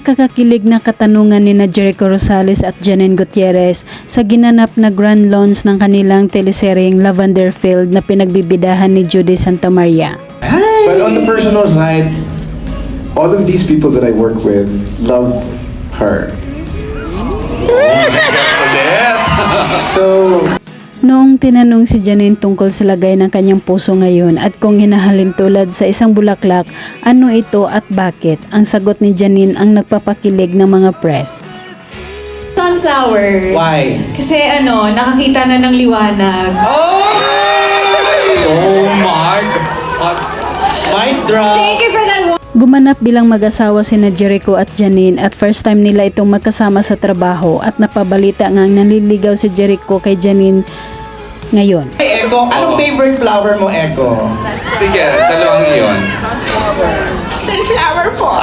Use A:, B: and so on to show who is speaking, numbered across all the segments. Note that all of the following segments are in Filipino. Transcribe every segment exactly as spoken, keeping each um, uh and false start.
A: Nakakakilig na katanungan ni na Jericho Rosales at Janine Gutierrez sa ginanap na grand launch ng kanilang teleseryeng Lavender Field na pinagbibidahan ni Judy Santamaria.
B: But on the personal side, all of these people that I work with love her. So,
A: Noong tinanong si Janine tungkol sa lagay ng kanyang puso ngayon at kung hinahalin tulad sa isang bulaklak, ano ito at bakit, ang sagot ni Janine ang nagpapakilig ng mga press.
C: Sunflower.
B: why?
C: Kasi ano, nakakita na ng liwanag.
D: Oh my God! Mic drop!
C: Thank you for that one.
A: Gumanap bilang mag-asawa sina Jericho at Janine at first time nila itong magkasama sa trabaho at napabalita nga naliligaw si Jericho kay Janine ngayon.
E: Hey, Eko, anong favorite flower mo, Eko?
D: Sige, dalawang iyon.
C: Sunflower po.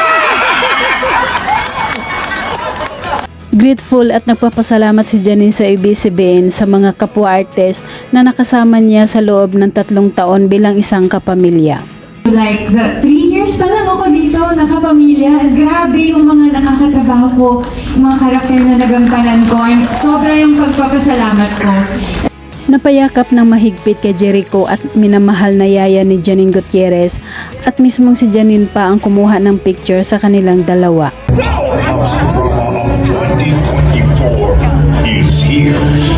A: Grateful at nagpapasalamat si Janine sa A B S C B N sa mga kapwa-artist na nakasama niya sa loob ng tatlong taon bilang isang kapamilya.
F: Like, the three years pa lang ako dito, nakapamilya. At grabe yung mga nakakatrabaho ko, yung mga karakter na nagampanan ko. And sobra yung pagpapasalamat ko.
A: Napayakap ng mahigpit kay Jericho at minamahal na yaya ni Janine Gutierrez at mismong si Janine pa ang kumuha ng picture sa kanilang dalawa.
G: House drama of twenty twenty-four is here.